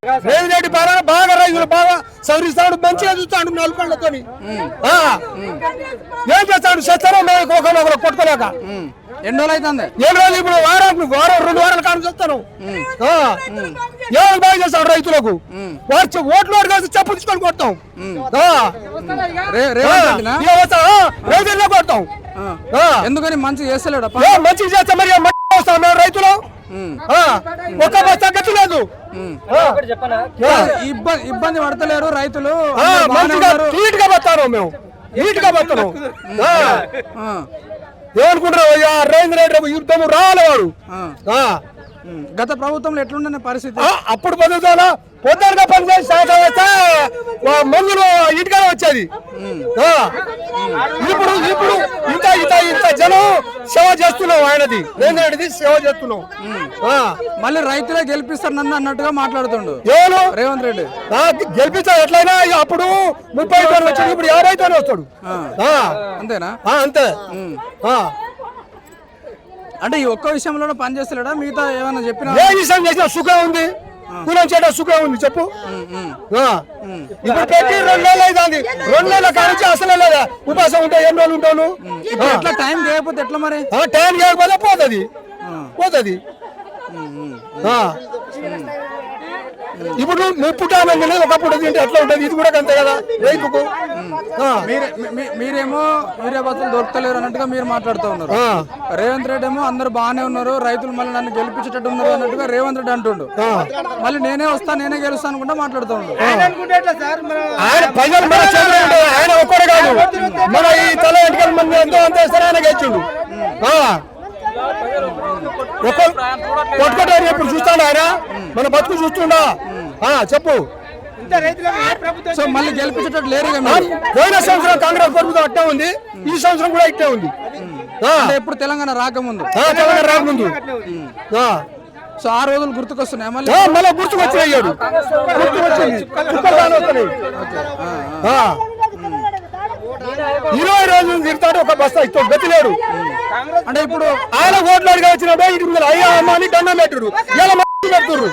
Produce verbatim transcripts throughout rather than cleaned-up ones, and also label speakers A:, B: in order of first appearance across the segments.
A: రేవంత్ రెడ్డి బాగా బాగా రైతులు బాగా సవరిస్తాడు, మంచిగా చూస్తాడు నలుకళ్ళతో. ఏం చేస్తాడు చేస్తారో మేము ఒకరు కొట్టుకోలేక
B: ఎన్ని రోజులు అవుతుంది?
A: ఏడు రోజులు ఇప్పుడు వారం వారం రెండు వారాల కాలం చూస్తాను. ఏమైనా బాగా చేస్తాడు రైతులకు. వారు ఓట్లు ఓటు కాదు చెప్పు తీసుకొని కొడతాం, రైతుల్లో కొడతాం.
B: ఎందుకని మంచిగా చేస్తలేడు?
A: మంచిగా చేస్తాం మరి వస్తాం మేము రైతులు. ఒక్క బస్తా గతి లేదు,
B: ఇబ్బంది పడతలేరు రైతులు.
A: నీట్ గా బతాను మేము, నీట్ గా బతాను. ఏమనుకుంటారు రేవంత్ రెడ్డి యుద్ధం రాలేవాడు.
B: గత ప్రభుత్వంలో ఎట్లుండే పరిస్థితి?
A: అప్పుడు బతుకుతానా పొద్దునగా పనిచేసి సాయంత్రం వస్తే మందులు ఇంటికానే వచ్చేది. ఇప్పుడు ఇప్పుడు ఇంత ఇంత ఇంత జనం సేవ చేస్తున్నాం, ఆయనది రేవంత్ రెడ్డిది సేవ చేస్తున్నాం.
B: మళ్ళీ రైతులే గెలిపిస్తారు నన్ను అన్నట్టుగా మాట్లాడుతుండు
A: ఎవరు
B: రేవంత్ రెడ్డి.
A: గెలిపిస్తారు ఎట్లయినా. అప్పుడు ముప్పై తోనే వచ్చాడు, ఇప్పుడు యాభై తోనే వస్తాడు.
B: అంతేనా?
A: అంతే.
B: అంటే ఈ ఒక్క విషయంలో పని చేస్తలేడా? మిగతా ఏమైనా చెప్పినా?
A: ఏ విషయం చేసినా సుఖం ఉంది, కులం చేయడం సుఖం ఉంది చెప్పు. ఇప్పుడు పెట్టి రెండు నెలలు అవుతుంది, రెండు నెలల కానించి అసలు లేదా ఉపాసం ఉంటే ఎన్ని రోజులు ఉంటాను.
B: ఎట్లా టైం చేయకపోతే ఎట్లా మరి?
A: టైం చేయకపోతే పోతుంది పోతుంది. ఇప్పుడు పుట్టానండి ఒకప్పుడు తింటే ఎట్లా ఉంటుంది, ఇది కూడా అంతే కదా రైతుకు.
B: మీరేమో యూరియా బస్సులు దొరకలేరు అన్నట్టుగా మీరు మాట్లాడుతూ ఉన్నారు. రేవంత్ రెడ్డి ఏమో అందరు బాగానే ఉన్నారు, రైతులు మళ్ళీ నన్ను గెలిపించేటట్టు ఉన్నారు అన్నట్టుగా రేవంత్ రెడ్డి అంటుండు. మళ్ళీ నేనే వస్తాను నేనే గెలుస్తాను అనుకుంటా మాట్లాడుతూ ఉన్నాడు.
A: ఆయన ఒక్కడే కాదు, మన ఈ తల ఎన్నికల మంది ఎంతో అంత ఇస్తారు, ఆయన గెలిచిండు. కొట్టుకోవడానికి ఎప్పుడు చూస్తాడు ఆయన, మన బతుకు చూస్తుండా చెప్పు.
B: సో మళ్ళీ గెలిపించేటట్టు లేరు.
A: పోయిన సంవత్సరం కాంగ్రెస్ ప్రభుత్వం అట్టే ఉంది, ఈ సంవత్సరం కూడా ఇట్టే ఉంది.
B: ఎప్పుడు తెలంగాణ రాకముందు
A: తెలంగాణ రాకముందు
B: సో ఆ రోజులు గుర్తుకొస్తున్నాయి. మళ్ళీ
A: మళ్ళీ గుర్తుకొచ్చాడు, గుర్తుకొచ్చింది. ఇరవై రోజులు తిరుగుతాడు, ఒక బస్తా ఇస్తాడు, గతి లేడు.
B: అంటే ఇప్పుడు
A: ఆయన ఓట్లు అడిగి వచ్చినప్పుడు ఇంటి ముందు అయ్యా అమ్మ అని దండం పెట్టుడు, ఇలా పెడుతుర్రు.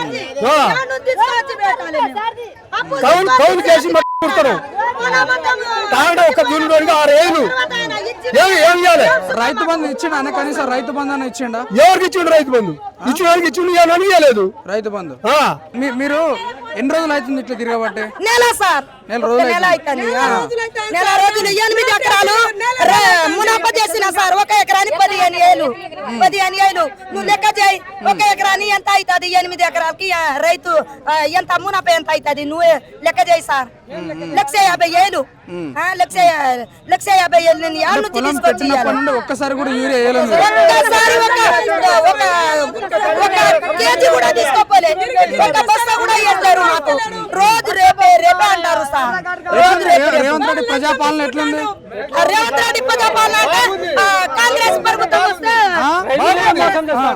A: కౌలు కౌలు కేసి కుడతారు. తాగడం ఒక దూరం ఆరు ఏళ్ళు ఏమి ఏం చేయాలి?
B: రైతు బంధు ఇచ్చిండు కనీసం రైతు బంధు అని ఇచ్చిండా?
A: ఎవరికి ఇచ్చిండు రైతు బంధు? ఇచ్చిన వాళ్ళకి ఇచ్చిండు, అని ఇవ్వలేదు రైతు బంధు.
B: మీరు ఎన్ని రోజులు అవుతుంది ఇట్లా తిరగబట్టే?
C: నెల సార్,
B: నెల రోజులు
C: నెల రోజులు ఎనిమిది ఎకరాలు మునాప చేసిన సార్. ఒక ఎకరాని పదిహేను ఏళ్ళు పదిహేను ఏళ్ళు నువ్వు లెక్క చేయి. ఒక ఎకరాని ఎంత అవుతుంది? ఎనిమిది ఎకరాలకి రైతు ఎంత మునాప ఎంత అవుతుంది నువ్వే లెక్క చేయి సార్. లక్ష యాభై ఏళ్ళు లక్ష లక్ష యాభై ఏళ్ళు నేను ఏళ్ళ నుంచి తీసుకొచ్చి
B: ఒక్కసారి కూడా యూరియా వేయలేదు.
C: ఒక్కసారి ఒక ఒక కేజీ కూడా తీసుకోపోలే, ఒక బస్తా కూడా వేస్తారు మాకు. రోజు రేపే రేపే అంటారు సార్. రోజు రేపు
B: రేవంత్ రెడ్డి ప్రజాపాలన ఎట్లుంది?
C: రేవంత్ రెడ్డి ప్రజాపాలన కాంగ్రెస్ ప్రభుత్వం వస్తే